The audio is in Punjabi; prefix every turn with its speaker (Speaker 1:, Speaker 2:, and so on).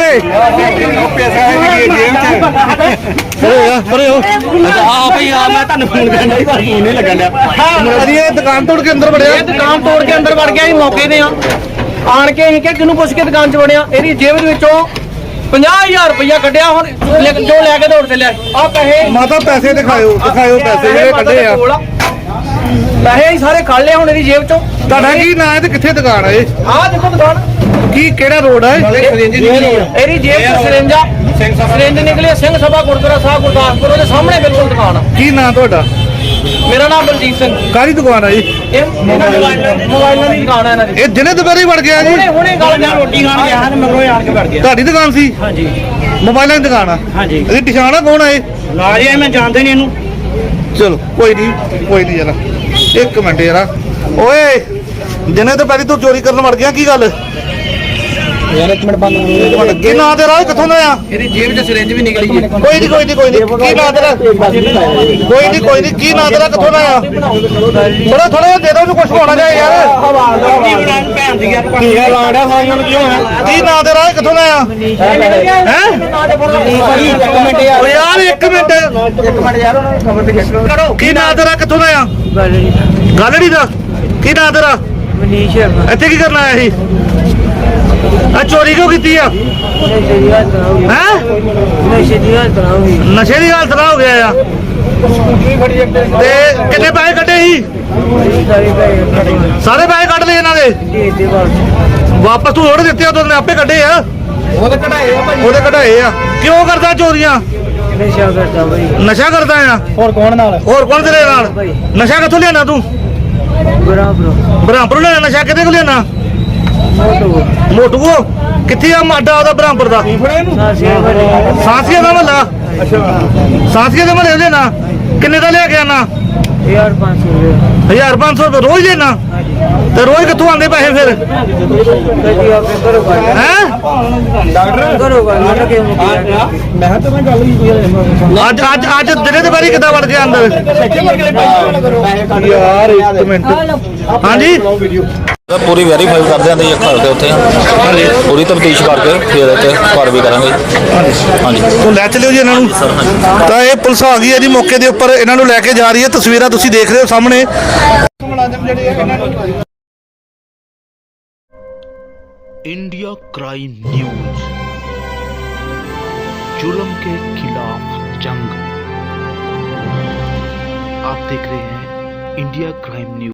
Speaker 1: ਓਏ
Speaker 2: ਪੈਸਾ ਹੈ ਜੇਬ 'ਚ
Speaker 1: ਪਰੇ ਹੋ
Speaker 2: ਆ ਭਈ ਆ ਮੈਂ ਤੁਹਾਨੂੰ ਫੋਨ ਕਰਨਾ ਸੀ ਪਰ ਫੋਨ ਨਹੀਂ ਲੱਗਣ ਡਿਆ
Speaker 1: ਅਜੀ ਇਹ ਦੁਕਾਨ ਤੋੜ ਕੇ ਅੰਦਰ ਵੜਿਆ।
Speaker 3: ਇਹ ਦੁਕਾਨ ਤੋੜ ਕੇ ਅੰਦਰ ਵੜ ਗਿਆ ਸੀ ਮੌਕੇ ਤੇ ਆ ਆਣ ਕੇ ਅਸੀਂ ਕਿਹਾ ਕਿਹਨੂੰ ਪੁੱਛ ਕੇ ਦੁਕਾਨ 'ਚ ਵੜਿਆ। ਇਹਦੀ ਜੇਬ ਦੇ ਵਿੱਚੋਂ 50,000 ਰੁਪਇਆ ਕੱਢਿਆ। ਹੁਣ ਜੋ ਲੈ ਕੇ ਦੌੜ ਚੱਲਿਆ ਆ ਪੈਸੇ
Speaker 1: ਮਾਤਾ ਪੈਸੇ ਦਿਖਾਇਓ ਪੈਸੇ ਜਿਹੜੇ ਕੱਢੇ ਆ।
Speaker 3: ਪੈਸੇ ਹੀ ਸਾਰੇ ਕੱਢ ਲਏ ਹੁਣ ਇਹਦੀ ਜੇਬ 'ਚੋਂ।
Speaker 1: ਤੁਹਾਡਾ ਕੀ ਨਾਂ ਹੈ ਤੇ ਕਿੱਥੇ ਦੁਕਾਨ ਹੈ ਇਹ?
Speaker 3: ਆਹ ਦੇਖੋ ਦੁਕਾਨ
Speaker 1: ਕੀ ਕਿਹੜਾ ਰੋਡ ਹੈ?
Speaker 3: ਇਹਦੀ ਜੇਬ 'ਚ ਸਿਰਿੰਜ ਨਿਕਲੀ। ਸਿੰਘ ਸਭਾ ਗੁਰਦੁਆਰਾ ਸਾਹਿਬ ਗੁਰਦਾਸਪੁਰ ਉਹਦੇ ਸਾਹਮਣੇ ਬਿਲਕੁਲ ਦੁਕਾਨ ਆ।
Speaker 1: ਕੀ ਨਾਂ ਤੁਹਾਡਾ?
Speaker 3: ਮੇਰਾ ਨਾਮ ਬਲਜੀਤ ਸਿੰਘ।
Speaker 1: ਕਾਹਦੀ ਦੁਕਾਨ ਹੈ ਜੀ?
Speaker 3: ਇਹ ਮੋਬਾਈਲਾਂ ਦੀ ਦੁਕਾਨ ਹੈ ਇਹਨਾਂ ਦੀ।
Speaker 1: ਇਹ ਦਿਨੇ ਦੁਪਹਿਰੇ ਵੜ ਗਿਆ ਜੀ?
Speaker 3: ਹੁਣੇ ਗੱਲ ਕਰ ਰੋਟੀ ਖਾਣ ਗਿਆ ਹਾਂ ਮਗਰੋਂ ਆਣ ਕੇ ਵੜ ਗਿਆ।
Speaker 1: ਤੁਹਾਡੀ ਦੁਕਾਨ ਸੀ?
Speaker 3: ਹਾਂਜੀ
Speaker 1: ਮੋਬਾਈਲਾਂ ਦੀ ਦੁਕਾਨ ਆ?
Speaker 3: ਹਾਂਜੀ
Speaker 1: ਇਹਦੀ ਪਛਾਣ ਆ ਕੌਣ ਆ ਇਹ?
Speaker 3: ਲਾਜ ਹੈ ਮੈਂ ਜਾਣਦੇ ਨਹੀਂ ਇਹਨੂੰ।
Speaker 1: ਚਲੋ ਕੋਈ ਨਹੀਂ ਜਰਾ ਇੱਕ ਮਿੰਟ ਯਾਰਾ। ਓਏ ਦਿਨੇ ਦੁਪਹਿਰੇ ਤੂੰ ਚੋਰੀ ਕਰਨ ਵੜ ਗਿਆ, ਕੀ ਗੱਲ?
Speaker 3: ਯਾਰ ਇੱਕ ਮਿੰਟ ਬੰਦ
Speaker 1: ਕੀ ਨਾਂ ਤੇਰਾ? ਕਿੱਥੋਂ ਦਾ ਆ?
Speaker 3: ਇਹਦੀ ਜੇਬ 'ਚ ਸਿਰਿੰਜ ਵੀ ਨਿਕਲੀ ਜੀ।
Speaker 1: ਕੋਈ ਨਹੀਂ ਕੀ ਨਾਂ ਤੇਰਾ? ਕੋਈ ਨਹੀਂ ਕੀ ਨਾਂ ਤੇਰਾ? ਕਿੱਥੋਂ ਦਾ ਆ? ਥੋੜਾ ਦੇ ਦੋ ਉਹਨੂੰ ਕੁਝ ਹੋਣਾ ਚਾਹੀਦਾ ਯਾਰ।
Speaker 3: ਟੀਕਾ ਲਾੜਾ ਸਾਈਆਂ ਨੂੰ ਕਿਉਂ ਹੈ?
Speaker 1: ਕੀ ਨਾਂ ਤੇਰਾ? ਕਿੱਥੋਂ ਦਾ ਆ? ਹੈ ਓ ਯਾਰ ਇੱਕ ਮਿੰਟ
Speaker 3: ਯਾਰ ਉਹਨਾਂ ਨੂੰ ਖਬਰ ਤੇ ਚੈੱਕ ਕਰੋ।
Speaker 1: ਕੀ ਨਾਂ ਤੇਰਾ? ਕਿੱਥੋਂ ਦਾ ਆ? ਗਾਲੜੀ ਦਾ? ਕੀ ਨਾਂ ਤੇਰਾ?
Speaker 3: ਮਨੀਸ਼
Speaker 1: ਇੱਥੇ ਕੀ ਕਰਨ ਆਇਆ ਸੀ? ਆ ਚੋਰੀ ਕਿਉਂ ਕੀਤੀ ਆ? ਹੈ
Speaker 3: ਨਸ਼ੇ ਦੀ ਹਾਲਤ ਨਾ ਹੋਈ।
Speaker 1: ਨਸ਼ੇ ਦੀ ਹਾਲਤ ਨਾਲ ਹੋ ਗਿਆ ਆ। ਤੇ ਕਿੰਨੇ ਪੈਸੇ ਕੱਢੇ ਸੀ? ਸਾਰੇ ਪੈਸੇ ਕੱਢ ਲਏ ਇਹਨਾਂ ਦੇ? ਵਾਪਸ ਤੂੰ ਥੋੜੇ ਦਿੱਤੇ, ਉਦੋਂ ਨੇ ਆਪੇ ਕੱਢੇ ਆ।
Speaker 3: ਉਹਦੇ ਕਢਾਏ ਆ ਭਾਈ।
Speaker 1: ਉਹਦੇ ਕਢਾਏ ਆ। ਕਿਉਂ ਕਰਦਾ ਚੋਰੀਆਂ?
Speaker 3: ਨਸ਼ਾ ਕਰਦਾ ਭਾਈ।
Speaker 1: ਨਸ਼ਾ ਕਰਦਾ ਆ?
Speaker 3: ਹੋਰ ਕੌਣ ਨਾਲ?
Speaker 1: ਹੋਰ ਕੌਣ ਤੇਰੇ ਨਾਲ? ਨਸ਼ਾ ਕਿੱਥੋਂ ਲਿਆਣਾ ਤੂੰ? ਬ੍ਰਹਮਪੁਰ ਲਿਆਣਾ ਨਸ਼ਾ? ਕਿਤੇ ਕੋ ਲਿਆਣਾ? ਮੋਟੂਓ ਕਿੱਥੇ ਆ ਮਾਡਾ ਉਹਦਾ ਬ੍ਰਹਮਪੁਰ ਦਾ? ਸਾਂਸੀਆ ਦਾ ਮਹੱਲਾ? ਸਾਂਸੀਆ ਦੇ ਮਹੱਲੇ ਲੈਣਾ? ਕਿੰਨੇ ਦਾ ਲਿਆ ਕੇ ਆਣਾ? 1500 ਰੁਪਏ ਰੋਜ਼ ਲੈਣਾ? ਤੇ ਰੋਜ਼ ਕਿੱਥੋਂ ਆਉਂਦੇ ਪੈਸੇ ਫਿਰ? ਹੈ ਅੱਜ ਦਿਨੇ ਦੇ ਬਾਰੀ ਕਿੱਦਾਂ ਵੜ ਗਿਆ ਅੰਦਰ? ਯਾਰ ਇੱਕ ਮਿੰਟ। ਹਾਂਜੀ
Speaker 4: ਪੂਰੀ ਵੈਰੀਫਾਈ ਕਰਦੇ ਆਂ ਤੇ ਇੱਕ ਕਰਦੇ ਉੱਥੇ ਪੂਰੀ ਤਫਤੀਸ਼ ਕਰਕੇ ਫਿਰ ਇੱਥੇ ਕਾਰਵਾਈ ਕਰਾਂਗੇ। ਹਾਂਜੀ
Speaker 1: ਤੂੰ ਲੈ ਚਲਿਓ ਜੀ ਇਹਨਾਂ ਨੂੰ। ਤਾਂ ਇਹ ਪੁਲਿਸ ਆ ਗਈ ਹੈ ਜੀ ਮੌਕੇ ਦੇ ਉੱਪਰ, ਇਹਨਾਂ ਨੂੰ ਲੈ ਕੇ ਜਾ ਰਹੀ ਹੈ। ਤਸਵੀਰਾਂ ਤੁਸੀਂ ਦੇਖ ਰਹੇ ਹੋ ਸਾਹਮਣੇ।
Speaker 5: इंडिया क्राइम न्यूज, जुल्म के खिलाफ जंग। आप देख रहे हैं इंडिया क्राइम न्यूज।